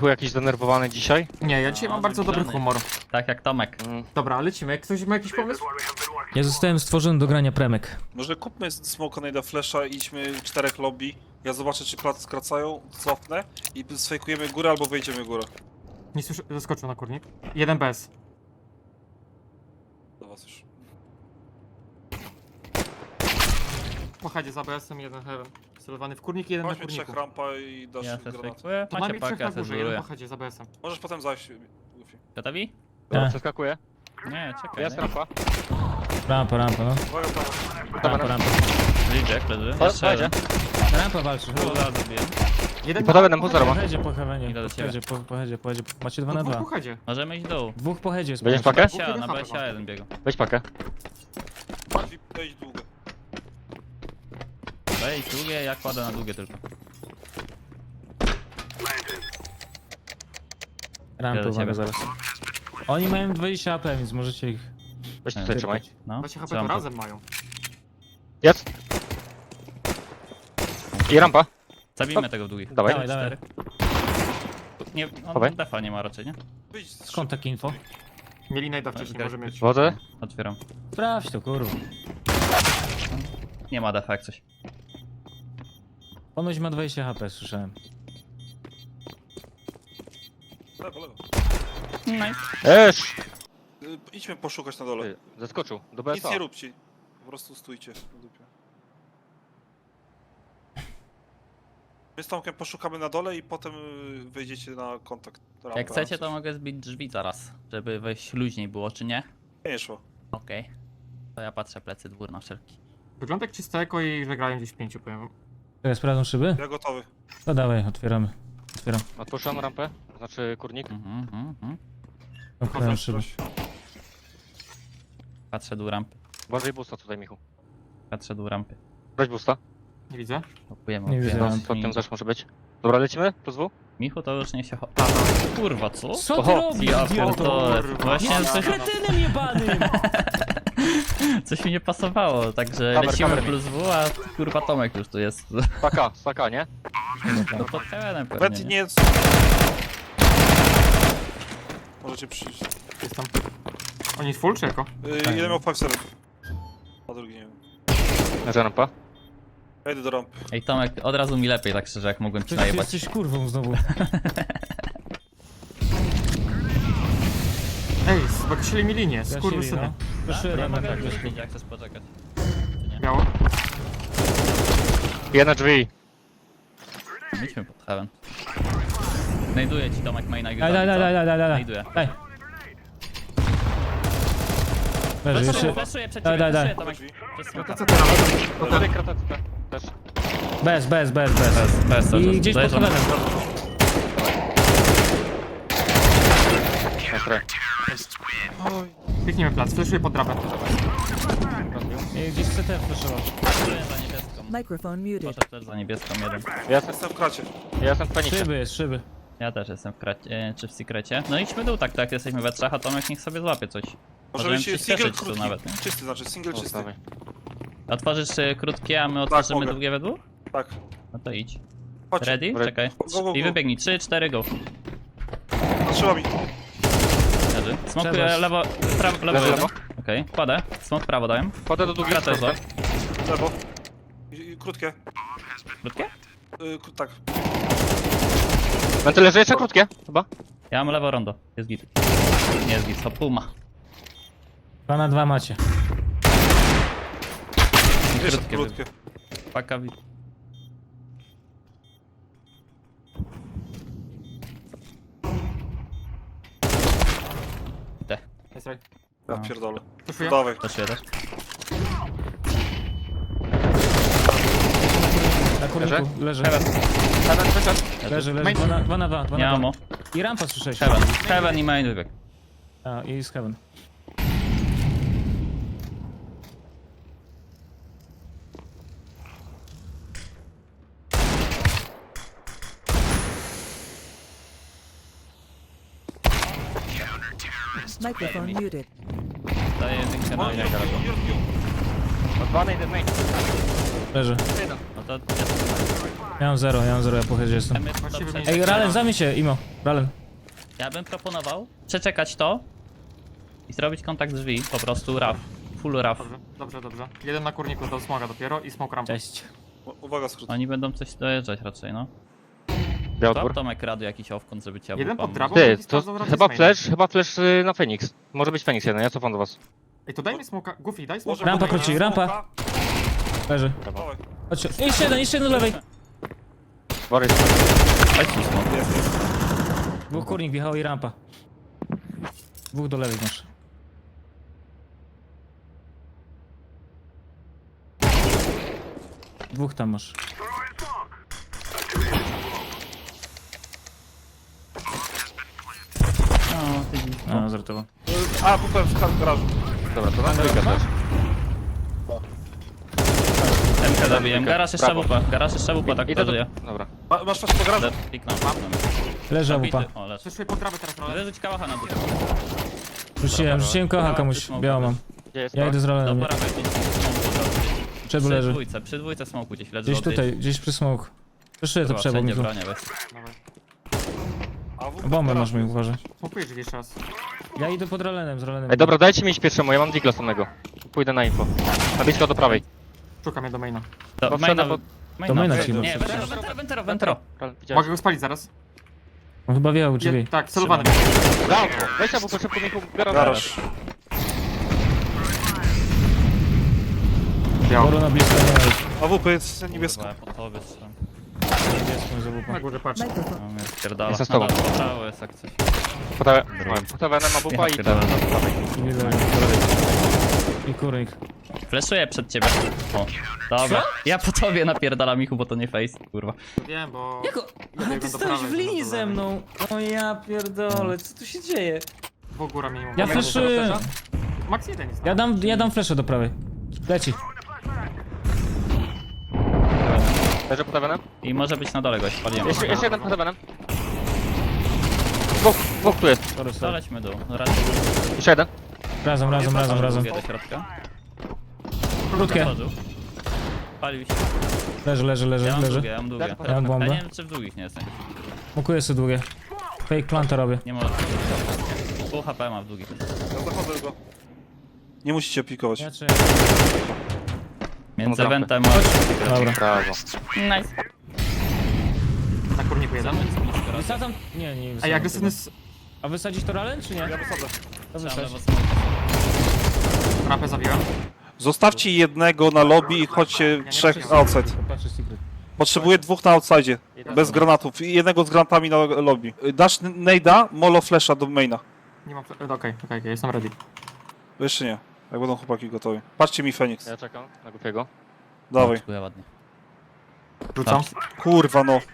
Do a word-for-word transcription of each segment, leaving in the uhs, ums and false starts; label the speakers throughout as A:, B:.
A: Michu jakiś zdenerwowany dzisiaj?
B: Nie, ja dzisiaj
C: No,
B: mam bardzo dobry
C: zbliżony.
B: humor.
C: Tak jak Tomek.
A: Mm.
B: Dobra, lecimy. Ktoś ma jakiś pomysł?
D: Ja zostałem stworzony do grania premek.
E: Może kupmy smoka na flasha i idźmy czterech lobby. Ja zobaczę, czy plac skracają, cofnę i sfejkujemy górę albo wejdziemy górę.
B: Nie słyszę, zaskoczył na kurnik. Jeden bez.
E: Do was już.
B: Po chadzie za B S-em, jeden heaven. Celowany w kurnik, jeden na
E: Chodźmy trzech
B: kurniku.
E: rampa i dasz
C: Ja se
E: granat.
C: fejkuję.
B: To
C: Macie
B: nami trzech
C: pakę,
B: na
C: ja se
B: górze, jeden
C: zbuduję.
B: po chadzie za B S-em.
E: Możesz potem zajść, Goofy.
C: Gotowi?
A: Dobra,
D: Tak.
A: przeskakuję.
C: Nie, czekaj.
A: Jest rampa.
D: Rampa, rampa, no.
E: Uwaga, prawo.
D: Rampa, rampa.
C: Reject leży.
A: Po-
C: Jeszcze jeden.
D: Rampa walczy.
C: Dwóch zaraz zabiję.
B: Jeden
A: I po heavenem, po zero
D: Po
A: ma.
D: headzie, po heavenie.
C: Idę do
D: Po
C: ciebie.
D: headzie, po, po headzie, po headzie. Macie dwa na
B: Dwóch
D: dwa.
B: po chadzie.
C: Możemy iść w dół.
D: Dwóch po headzie jest.
A: Będziesz
D: po
A: pakę?
C: Sia,
B: jeden
C: na
B: HP
C: B S A jeden biegł.
A: Weź pakę.
E: Bardziej wejdź długo.
C: Wejdź długie, ja kładę na długie tylko.
D: Rampy,
C: Idę do
D: uwaga
C: ciebie.
D: zaraz. Oni mają dwadzieścia A P, więc możecie ich...
A: Weź
C: Nie,
A: tutaj trzymaj.
C: No,
B: Właśnie H P
C: trzymam
B: to
C: to.
B: razem mają.
A: Jest. I rampa.
C: Zabijmy tego w długich.
A: Dawaj.
D: Dawaj, dawaj.
C: Cztery. Nie,
A: Chowaj.
C: on defa nie ma raczej, nie?
E: Wyjdź z
D: Skąd takie info?
B: Mieli najda wcześniej,
C: Grać-
B: może mieć.
A: Wodę.
C: Otwieram.
D: Sprawdź to, kurwa.
C: Nie ma defa jak coś.
D: Ponoć ma dwadzieścia H P, słyszałem.
E: Lewo, lewo.
C: Nice.
A: Esz!
E: Y, Idźmy poszukać na dole.
A: Ty, Zaskoczył. Do
E: Nic
A: B S A.
E: nie róbcie. Po prostu stójcie na dupie. My z Tomkiem poszukamy na dole i potem y, wejdziecie na kontakt. Rampa,
C: Jak chcecie,
E: coś.
C: to mogę zbić drzwi zaraz, żeby wejść luźniej było, czy nie?
E: Nie szło.
C: Okej. To ja patrzę plecy dwór na wszelki.
B: Wygląda jak czyste eko i że grają gdzieś w pięciu, powiem.
D: Teraz sprawdzą szyby?
E: Ja gotowy.
D: No dawaj, otwieramy. Otwieram.
A: Odpuszczam rampę. Znaczy kurnik.
C: Mhm, mhm, mhm.
D: Otwieram szyby.
C: Patrzę dół rampy.
A: Uważaj busta tutaj, Michu.
C: Patrzę dół rampy.
A: Weź busta.
B: Nie widzę.
C: Kupujemy.
D: Nie widzę.
A: No,
C: opujemy.
A: pod tym też może być. Dobra, lecimy? Plus W?
C: Michu to już nie się cho... Kurwa, co?
D: Co ty
A: Oho,
D: robisz,
C: Ja
D: idioto?
C: pierdolę.
B: kurwa.
C: Właśnie
B: Ja
C: coś,
D: Kretynem jebanym!
C: coś mi nie pasowało, także
A: Kamer,
C: lecimy
A: kamer.
C: plus W, a kurwa Tomek już tu jest.
A: Staka, staka, nie?
C: No to terenem
E: Wet
C: pewnie, nie?
E: nie jest. Możecie przyjść.
B: Jest tam. Oni jest full czy eko?
E: Y, jeden miał pięć seven. A drugi nie wiem.
A: Leży rampa.
E: Ja idę do rampy.
C: Ej Tomek, od razu mi lepiej tak szczerze, jak mogłem ci
D: Ty
C: najebać.
D: jesteś kurwą znowu.
B: Ej, zobaczyli mi linię,
D: Gasili,
B: skurwysyny.
D: no. Proszę,
C: Ja
D: Rada,
C: mogę
D: tak,
C: już
D: tak.
C: iść, jak chcesz poczekać.
B: Biało.
A: Jedne drzwi.
C: Idźmy pod heaven. Znajduję ci Tomek maina i
D: Daj, daj, daj, daj, daj, daj, daj.
C: Znajduję.
D: Daj. Leży,
C: Fleszuję,
D: jeszcze...
C: fleszuję przed
D: Daj,
C: ciebie,
D: daj, daj.
C: fleszuję Tomek.
E: Drzwi.
C: Przez
B: No to
C: smoka.
B: co teraz? To
A: Tutaj
B: ten.
A: kratę też.
D: Bez, bez, bez, bez.
C: Bez, bez, cały
D: I
C: czas.
D: gdzieś pod
C: Dojeżdżam.
D: heavenem.
A: Nastre.
B: Kliknijmy plac, fleszuję pod drabę.
D: I gdzieś C T flashował.
C: Fleszuję za niebieską.
F: Microphone muted.
C: Poszedł też za niebieską jeden.
A: Ja jestem,
E: Jestem w kracie.
A: ja jestem w panice.
D: Szyby jest, szyby.
C: Ja też jestem w kracie, czy w sekrecie. No idźmy dół tak, tak, jesteśmy we trzech, a Tomek niech sobie złapie coś.
E: Może
C: Możemy
E: być single
C: przyspieszyć tu
E: krótki.
C: nawet, nie?
E: Czysty znaczy, single
A: O,
E: czysty.
A: dawaj.
C: Otworzysz y, krótkie, a my otworzymy
E: mogę.
C: długie we dwóch?
E: Tak.
C: No to idź.
E: Chodź.
C: Ready?
A: Ready.
C: Czekaj.
E: Go, go,
C: I
E: go.
C: wybiegnij. trzy, cztery, go.
E: Patrzyła mi.
C: Leży. Smokuję
D: Przeważ.
C: lewo, prawo, lewo
A: Lewo,
C: jeden.
A: lewo.
C: Okej, kładę. Smok prawo dałem.
A: Potem do długiego
C: Kratę złap.
E: Lewo. I, i krótkie.
C: Krótkie?
E: Y, k- tak.
A: Wenty leży jeszcze krótkie, chyba.
C: Ja mam lewo rondo. Jest git. Nie jest git, to puma.
D: Dwa na dwa macie.
E: Jeszcze
C: Krótkie.
E: krótkie.
C: Paka wi... Te.
B: Jest right.
E: Ja
C: No.
E: pierdolę.
B: Fleszuję.
E: Dawaj.
C: Też też.
D: Na kurniku, leży.
A: Heaven wyszedł.
D: Leży, leży. Dwa na dwa. Na dwa, dwa
C: Nie
D: na
C: amo.
D: dwa. I rampa słyszałeś.
C: Heaven. Heaven i main wybieg.
D: A, i z heaven.
F: Microphone muted.
C: Daję jedynkę na
E: O,
C: main.
E: Jork, Jork, Jork.
A: Dwa na jeden main.
D: Leży.
C: No to...
D: Ja mam zero, ja mam zero, ja po headzie jestem.
C: Jest
B: Właściwie
C: dobrze.
B: nie-
D: Ej, Ralen, zamień się, Imo. Ralen.
C: Ja bym proponował przeczekać to i zrobić kontakt drzwi, po prostu raf. Full raf.
B: Dobrze, dobrze, dobrze. Jeden na kurniku do smoga dopiero i smok rampa.
D: Cześć.
E: U- Uwaga, skrót.
C: Oni będą coś dojeżdżać raczej, no.
A: Biały
C: To
A: dwór.
C: Tomek radu jakiś owkąt, żeby cię
B: Jeden pod
C: pomóc.
B: drabą,
A: Ty,
B: drugi
A: to
B: sprawdzał raczej
A: chyba
B: z maina.
A: flash, chyba flash y, na Phoenix. Może być Phoenix jeden, ja cofam do was.
B: Ej, to daj mi smoka. Goofy, daj
E: Może
B: smoka.
D: Rampa
B: do maina.
D: króci, rampa. Leży.
E: Dawaj.
D: Chodźcie. Jeszcze jeden, jeszcze jeden do lewej.
A: Borys.
C: Chodź tu, smok.
E: Jest, jest.
D: Dwóch kurnik wjechał i rampa. Dwóch do lewej masz. Dwóch tam masz.
C: No, ty dziś.
D: A, żartowo.
E: A, kupłem w kar- garażu.
A: Dobra, to na trójkę też.
C: M K zabiłem. Garaż jeszcze
A: Brawo.
C: wupa. Garaż jeszcze wupa, tak
A: Idę
C: to
A: do...
C: żyje.
A: Dobra.
E: Ma, masz coś po garażu?
C: Piknął.
D: Leży
C: Zabity.
D: łupa.
C: O, leży.
B: Przeszły pod drabę teraz, Roland.
C: Rzuć kałacha na dół.
D: Rzuciłem, rzuciłem kocha komuś. Białą mam.
A: Gdzie jest
D: Ja
A: to?
D: idę z
C: Do
D: Ralenem.
C: prawej gdzieś.
D: Przebu
C: Przy
D: leży.
C: dwójce, przy dwójce smoku gdzieś leży.
D: Gdzieś
C: odjedź.
D: tutaj, gdzieś przy smoke. Przeszyję to
C: Kurwa,
D: przebo mi
C: wszędzie
D: tu.
C: bronię, weź.
B: Dawaj.
E: A, w-
D: Bombę
E: w
D: masz
E: garażu.
D: mi, uważaj.
B: Smokujesz drzwi jeszcze raz.
D: Ja idę pod Ralenem, z Ralenem.
A: Ej, dobra, dajcie mi iść pierwszemu, ja mam digla samego. Pójdę na info. Na blisko do prawej.
B: Szukam je do maina.
C: Do
A: Bo
C: maina,
A: wszedłem pod-
D: Do maina
C: Nie,
D: trzeba.
C: Nie, wentero, wentero, wentero, wentero.
A: Widziałeś?
B: Mogę go spalić zaraz.
D: On chyba wjechał
B: Je,
D: drzwi.
B: tak, celowany.
A: Brawo! Weź albo szybko mi garaż.
E: Garaż.
B: Biało.
D: Boru na blisko nie ma już.
E: A W P jest niebiesko.
C: Kurwa, ja po tobie strzelam.
D: Niebieską za
B: Na
D: łupa.
B: górze patrz.
F: Microphone.
C: No mnie spierdala.
A: Jestem z tobą.
C: No, po prawo jest jak coś.
A: Potawę na bupa i
C: Ja
A: to.
D: I leży. I kurnik.
C: Fleszuję przed ciebie. O, dobra. Ja po tobie napierdalam Michu, bo to nie face, kurwa.
B: Wiem, bo...
D: Jako...
B: Ja biegłem do prawej, żeby do lewej.
D: O ja pierdolę, co tu się dzieje?
B: Dwóch góra minimum.
D: Ja
B: Max
D: flashuję.
B: zero flesza? Max jeden jest.
D: Ja dam, ja dam fleszę do prawej. Leci.
A: Leży potawenem?
C: I może być na dole gość, paliłem.
A: Jeszcze, jeszcze jeden potawenem. Dwóch, dwóch tu jest.
D: Sorry, sorry.
C: Dolećmy dół. Raczej
A: Jeszcze jeden.
D: Razem, razem, razem, razem.
C: do środka.
D: Krótkie.
C: Wchodził. Palił się.
D: Leży, leży,
C: Ja
D: leży,
C: mam
D: leży.
C: długie, ja mam długie.
A: Ja
D: mam bombę.
C: Ja nie wiem, czy w długich nie jestem.
D: Mokuję sobie długie. Fake planta robię.
C: Nie może. Pół H P ma w długich.
E: Ja zachodzę go. Nie musicie pikować.
D: Ja czy...
C: Między
A: Dobra.
C: eventem a...
D: Dobra.
A: Brawo.
C: Nice.
B: Na kurniku jeden.
C: Zamyć blisko raz.
D: Wysadzam... Nie, nie
B: Ej,
D: wysadzam.
B: agresywny s...
D: A wysadzić to Ralen, czy nie?
E: Ja wysadzę.
D: To
C: Trzeba
D: wysadź.
C: lewo smoke.
B: Rampę zabiłem.
E: Zostawcie jednego na lobby i chodźcie trzech outside.
D: Patrzę secret.
E: Potrzebuję dwóch na outside. Bez granatów. I jednego z granatami na lobby. Dasz Nejda, Molo Flasha do maina.
B: Nie mam... fle- Okej, okej, okej, jestem ready.
E: Jeszcze nie. Jak będą chłopaki gotowi. Patrzcie mi Feniks.
A: Ja czekam na głupiego.
E: Dawaj.
C: Dziękuję ładnie.
B: Rzucam.
E: Kurwa no.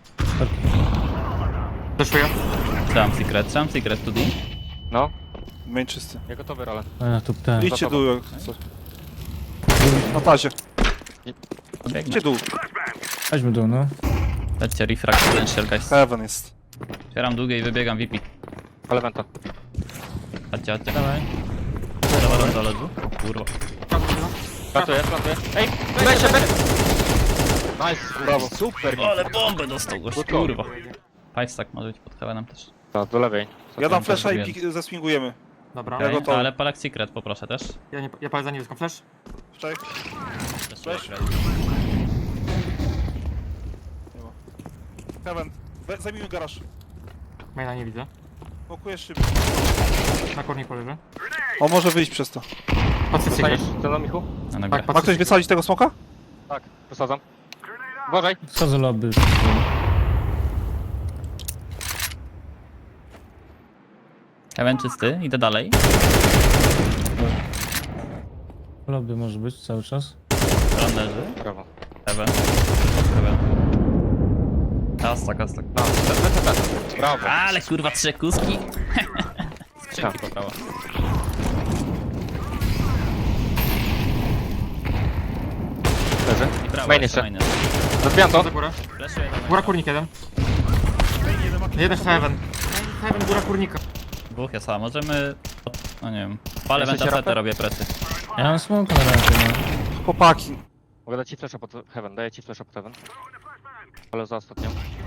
B: Fleszuję.
C: Trzymam secret, trzymam secret to D.
A: No,
E: Main czysty.
A: ja gotowy, ale.
D: A, tu ten.
E: Idźcie dół jak coś. Na tazie.
C: Biegnę.
E: Idźcie dół.
D: Chodźmy dół, no.
C: Lećcie refract potential guys.
E: Heaven jest.
C: Otwieram długie i wybiegam V P.
A: Ale wenta.
C: Chodźcie, chodźcie.
D: Dawaj.
C: Dobra, dole dół. O kurwa.
A: Plantuję, plantuję. Ej, weź się, weź! Nice, brawo. Super.
C: Ale bombę dostał gość,
A: Good call.
C: kurwa. Five stack może być pod heavenem też.
A: Tak, do lewej.
E: Ja dam
C: też
E: flasha i
C: zrobiłem.
E: pik- zeswingujemy.
B: Dobra.
E: Ja
C: Okay,
E: gotowy.
C: ale palak secret poproszę też.
B: Ja, nie, ja palę za niebieską flash.
E: Cześć.
C: Flash.
E: Heaven. We- Zajmijmy garaż.
B: Maina nie widzę.
E: Pokujesz szybko.
B: Na kurniku leży.
E: On może wyjść przez to.
B: Patrzę
A: Zostaniesz
B: secret.
A: ze mną, Michu?
C: Na nogę.
B: Tak,
E: Ma
B: patrzę
E: ktoś wysadzić tego smoka?
A: Tak, wysadzam. Uważaj.
D: Schodzę lobby.
C: Heaven czysty, idę dalej.
D: Lobby może być cały czas.
C: Stron leży.
A: Brawo.
C: Heaven. Heaven. Kastak, kastak.
A: No, lecę, lecę. Brawo.
C: Ale kurwa, trzy kuski. Skrzynki po prawo.
A: Leży.
C: I prawo.
A: Main
C: jeszcze
A: jeszcze.
C: main jest.
A: Rozbijam to.
B: za górę.
C: Flashuję do maina.
B: Góra kurnik jeden. Jeden heaven. Heaven, góra kurnika.
C: Dwóch jest, a możemy... No nie wiem. Palę
A: Jesteście
C: wentafetę,
A: rapem?
C: robię presy.
D: Ja mam smoke na razie, no.
E: Chłopaki.
A: Mogę dać ci flasha pod heaven, daję ci flasha pod heaven. Ale za ostatnią.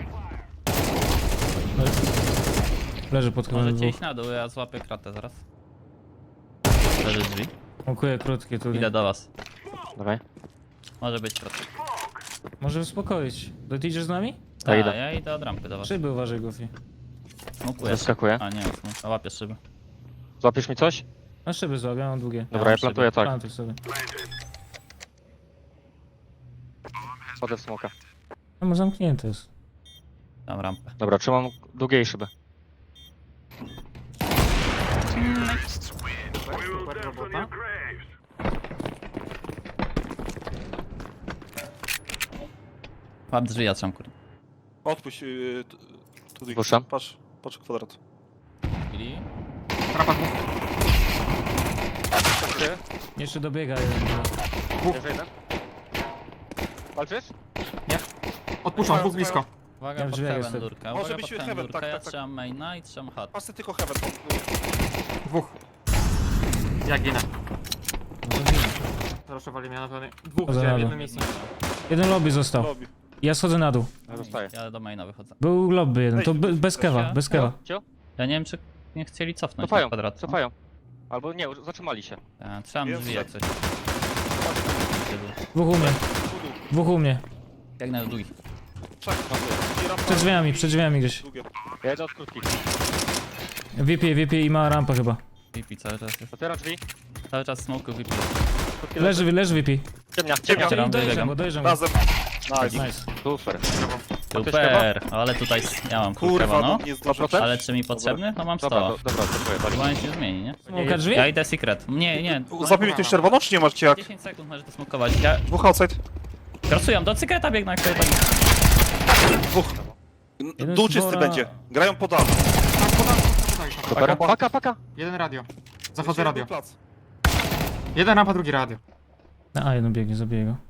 D: Leży pod chyba
C: Możecie
D: dwóch.
C: iść na dół, ja złapię kratę zaraz. Leży drzwi.
D: Smokuję krótkie tutaj.
C: Idę do was.
A: Dawaj.
C: Może być kratka.
D: Może uspokoić. To ty idziesz z nami?
A: Ja
C: A,
A: idę.
C: ja idę od rampy do was.
D: Szyby uważaj, Goofy.
C: Smokuję.
A: Zaskakuję.
C: A nie, smok. A łapię szyby.
A: Złapiesz mi coś?
D: Na szyby złap, ja mam długie.
A: Dobra, ja plantuję tak.
D: Plantuj sobie.
A: Chodzę w smoka.
D: No bo zamknięte jest.
C: Tam rampę.
A: Dobra, trzymam długiej szyby.
B: Super robota.
C: Łap drzwi, ja trzymam kurde.
E: Odpuść yy, t- tutaj.
A: Puszczam.
E: Patrz, patrz kwadrat.
C: Chwili.
B: Trapa dwóch.
D: Jeszcze dobiega jeden.
A: Jeszcze jeden. Walczysz?
B: Odpuszczam, dwóch blisko.
C: Uwaga,
D: Ja w
C: pod
D: drzwiach
C: heaven
D: jestem.
C: durka.
E: Może
C: Uwaga,
E: być
C: pod heaven
E: heaven,
C: durka.
E: tak,
C: Ja
E: tak, tak.
C: trzymam maina i trzymam chat.
E: Patrz tylko heaven.
B: Dwóch. Ja ginę.
D: No to widzę.
B: Zraszowali mnie na pewno. Dwóch
D: Poza
B: widziałem w
D: nami.
B: jednym miejscu.
D: Jeden lobby został.
E: Lobby.
D: Ja schodzę na dół.
A: Ja zostaję.
C: Ja do maina wychodzę.
D: Był lobby jeden, to be, bez kewa, bez kewa.
A: Cio?
C: Ja nie wiem, czy nie chcieli cofnąć na
A: Cofają,
C: kwadrat.
A: cofają. Albo nie, już zatrzymali się.
C: Ja, trzymam
E: Jest
C: drzwi jak
E: set.
C: coś.
D: Dwóch u mnie, dwóch u mnie.
C: Biegnę do długich.
E: Czak, i rampa.
D: Przed drzwiami, przed drzwiami gdzieś.
E: Długie.
A: Ja idę od krótkich.
D: V P, V P i ma rampę chyba.
C: V P cały czas jest.
A: Otwieram drzwi.
C: Cały czas smoku V P.
A: Krótkie
D: Leży, leży V P.
A: Ciemnia, ciemnia.
C: Otwieram,
D: Dojeżdżam
C: wybiegam.
D: go, dojeżdżam go.
E: Razem. Nice.
D: Nice.
A: Super.
C: Super, ale tutaj ja mam
E: Kurwa,
C: kurwa, no.
E: no nie zdążę.
A: procent?
C: Ale czy mi potrzebny? No mam
A: Dobra,
C: sto.
A: do, dobra, dziękuję. Wali.
C: Chyba nic nie zmieni, nie?
D: Smoka drzwi?
C: Ja idę secret. Nie, nie.
E: Zabij mi ktoś czerwoną, czy nie macie jak?
C: dziesięć sekund możesz to smokować. Ja
E: Dwóch outside.
C: grasuję, do secreta biegnę, jak to tak.
E: Dwóch.
D: Jeden
E: Dół
D: z
E: czysty
D: dwora-
E: będzie. Grają po dachu.
A: Super. Paka, paka.
B: Jeden radio. Zachodzę radio.
E: Plac.
B: Jeden rampa, drugi radio.
D: Na A jeden biegnie, zabiję go.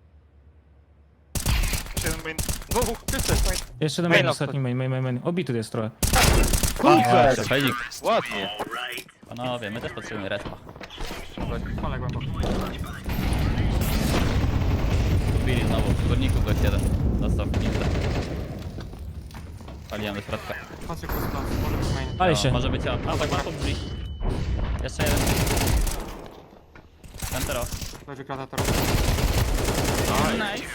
E: Jeszcze jeden main.
A: Dwóch, czysty.
D: Jeszcze jeden
A: Main
D: main,
A: lock.
D: ostatni main, main, main, main. Obity jest trochę.
A: Super.
C: Felik.
A: Ładnie.
C: Panowie, my też potrzebujemy respa.
B: Palę głęboko.
C: Kupili znowu, w górniku gość jeden. Dostał pizdę. Paliłem do środka.
B: Patrzę kurs plan. Może być main.
D: Pali
C: No,
D: się.
C: może być, a, a tak ma pod drzwi. Jeszcze jeden. Centero.
B: Leży krata teraz.
C: Nice.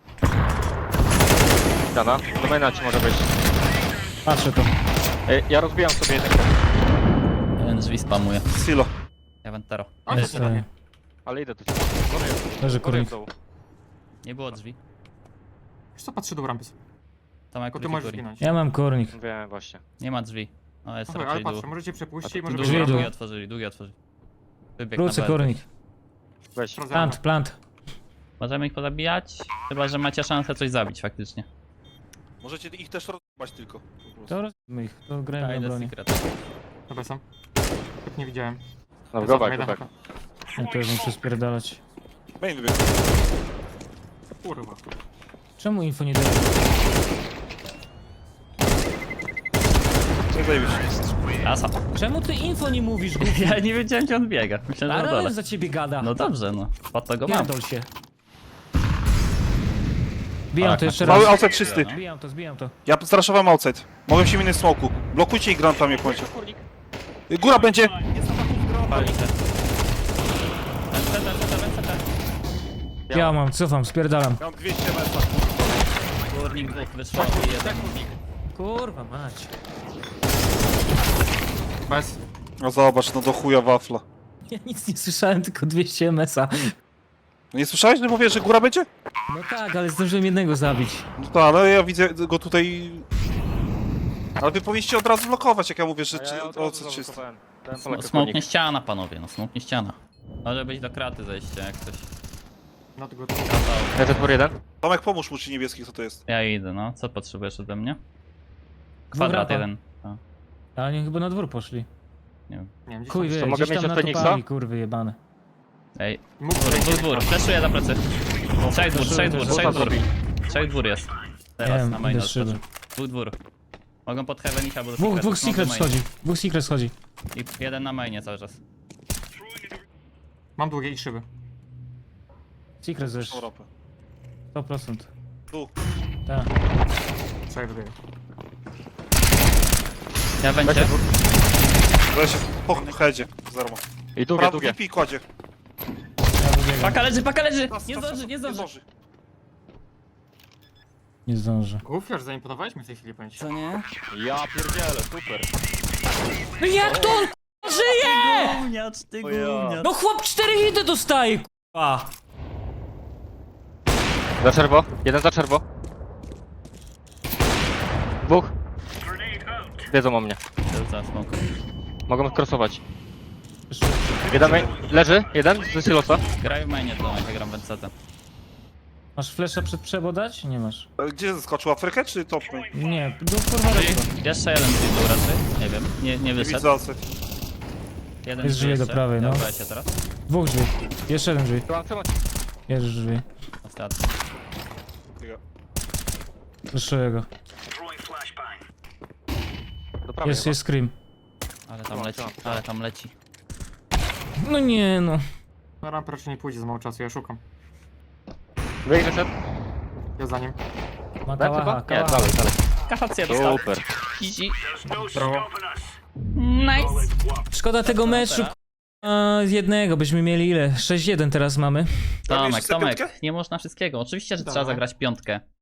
A: Dana. Domena ci może być.
D: Patrzę to.
A: Ej, ja rozbijam sobie jeden.
C: Jeden drzwi spamuje.
E: Silo.
C: Ja Ventero.
B: A,
C: Jest.
B: to nie
D: Ej,
A: Ale idę do ciebie. Góry jest.
D: Leży
A: Góry jest
D: kurnik.
A: w dołu.
C: Nie było drzwi.
B: Wiesz co, patrzę do rampy.
C: Tam jak
B: Tylko ty możesz zginąć.
D: Ja mam kurnik.
A: Wiem właśnie.
C: Nie ma drzwi. No jest
B: Aha, ale
C: raczej dół.
B: patrzę, możecie przepuścić,
A: A
B: może
A: tu
B: być
D: drzwi
B: rampa.
D: dół.
C: Długi otworzyli, długi otworzyli. Wybieg na
D: Wrócę
C: B.
D: kurnik.
A: Weź.
B: Rozjechane.
D: Plant, plant.
C: Możemy ich pozabijać? Chyba, że macie szansę coś zabić faktycznie.
E: Możecie ich też rozbać tylko. po prostu.
D: To rozbijmy ich, to
C: Ja
D: grajmy na
C: idę
D: bronie.
C: secret.
B: Dobra, sam. Tak nie widziałem.
A: No,
B: Cofam,
A: go back,
B: jeden
A: go back.
B: haka.
D: Ja to już muszę spierdalać.
E: Main wybiegł.
B: Kurwa.
D: Czemu info nie daje?
E: Co zajebisz?
C: Rasa.
D: Czemu ty info nie mówisz, Goofy?
C: Ja nie wiedziałem, gdzie on biega. Myślałem, że na dole.
D: Ale za ciebie gada.
C: No dobrze, no. Po to go mam.
D: Pierdol się. Zbijam
C: Tak,
D: to jeszcze
E: Mały
D: raz.
E: outside czysty.
D: Zbijam to, zbijam to.
E: Ja straszowałem outside. Mogę się minąć smoku. Blokujcie ich grantami jak możecie. Góra będzie!
C: Pali się. N C T, N C T, N C T.
D: Ja mam, cofam, spierdalam.
E: Ja mam dwieście metra.
C: Górnik dwóch wyszło i jeden.
D: Kurwa mać.
B: Bez.
E: No zobacz, no do chuja wafla.
D: Ja nic nie słyszałem, tylko dwieście M S a.
E: No nie słyszałeś, że mówię, że góra będzie?
D: No tak, ale zdążyłem jednego zabić.
E: No tak, ale ja widzę go tutaj... Ale wy powinniście od razu blokować, jak ja mówię, że
A: A
E: czy,
A: ja od
E: o
A: razu
E: co czysty.
A: zablokowałem. Dałem
C: Sm-
A: Polaka
C: Smoknie
A: kurnik.
C: ściana, panowie, no smoknie ściana. Może być do kraty zejście, jak coś.
B: Not good.
A: Leży dwór jeden.
E: Tomek, pomóż mu, czy niebieski, co to jest.
C: Ja idę, no. Co potrzebujesz ode mnie? Kwadrat
D: rampa.
C: jeden. A,
D: Ale oni chyba na dwór poszli.
C: nie wiem.
B: Nie wiem, gdzieś
D: Chuj
B: tam-
D: wie,
A: mogę
D: gdzieś
A: mieć
D: tam
A: od Feniksa?
D: natupali, kurwy jebane.
C: Ej,
B: Mógł
C: dwór,
B: wejść.
C: dwór, dwór. Fleszuję za plecy. Trzech dwór, trzech dwór,
D: też
C: trzech dwór.
A: zrobi.
C: Trzech dwór jest. Teraz
D: Wiem,
C: na maina
D: idę z szyby.
C: odskoczył. Dwóch dwór. Mogą pod heaven iść albo do
D: Dwóch,
C: secret.
D: dwóch
C: Smok do
D: secret
C: maina.
D: schodzi. Dwóch secret schodzi.
C: I jeden na mainie cały czas.
B: Mam długie i szyby.
D: Secret zesz.
E: Tą rampę.
D: sto procent.
E: Tu.
D: Tak.
B: Trzech wybiegł.
C: Ja będzie.
E: Weź się po headzie. Zero ma.
A: I długie,
E: Prawo
A: długie.
E: V P kładzie.
D: Ja wybiegam.
C: Paka leży, paka leży!
E: Czas,
C: Nie
E: czas,
C: zdąży,
E: czas,
C: nie zdąży.
E: zdąży.
D: Nie zdążę.
B: Gufiarz, zaimponowałeś mi w tej chwili, powiem ci.
F: Co nie?
A: Ja pierdzielę, super.
D: No jak to on k***a, żyje?
C: Gówniacz, ty
A: O ja.
C: gówniacz.
D: No chłop cztery hity dostaje k***a.
A: Za czerwo, jeden za czerwo. Dwóch. Wiedzą o mnie.
C: Za smoke.
A: Mogą crossować. Jeden main. Leży, jeden z silosa.
C: Graj w mainie to, ja gram w N C T.
D: Masz flesza przed przebo dać? Nie masz.
E: Ale Gdzie zeskoczył? Afrykę czy top main?
D: Nie, do kurwa reszta.
C: Jeszcze jeden drzwi był raczej, nie wiem, nie, nie
E: Nie
C: wyszedł.
E: widzę AC.
C: Jeden
D: Jest drzwi do
C: jeszcze.
D: prawej, no.
C: Dobra, się teraz.
D: Dwóch drzwi. Jeszcze jeden drzwi.
A: Trzymam, trzymam.
D: Jest drzwi.
C: Ostatni.
D: Fleszuję go.
A: Do prawej
D: Jest,
A: chyba.
D: jest scream.
C: Ale tam
A: Trzymam,
C: leci,
A: trzymam, trzymam.
C: ale tam leci.
D: No nie no.
B: No rampa raczej nie pójdzie za mało czasu, ja szukam.
A: Wyjść wyszedł.
B: Ja za nim.
D: Ma
A: Tak
D: kałacha,
A: chyba? Nie,
D: kałacha.
A: dalej, dalej.
C: Kafację dostał.
A: Super.
C: Easy.
B: Brawo.
C: Nice.
D: Szkoda tego meczu k***a, z jednego, byśmy mieli ile? sześć jeden teraz mamy.
C: Tomek,
E: Mieliście
C: Tomek,
E: piątkę?
C: nie można wszystkiego. Oczywiście, że
B: Dawaj.
C: trzeba zagrać piątkę.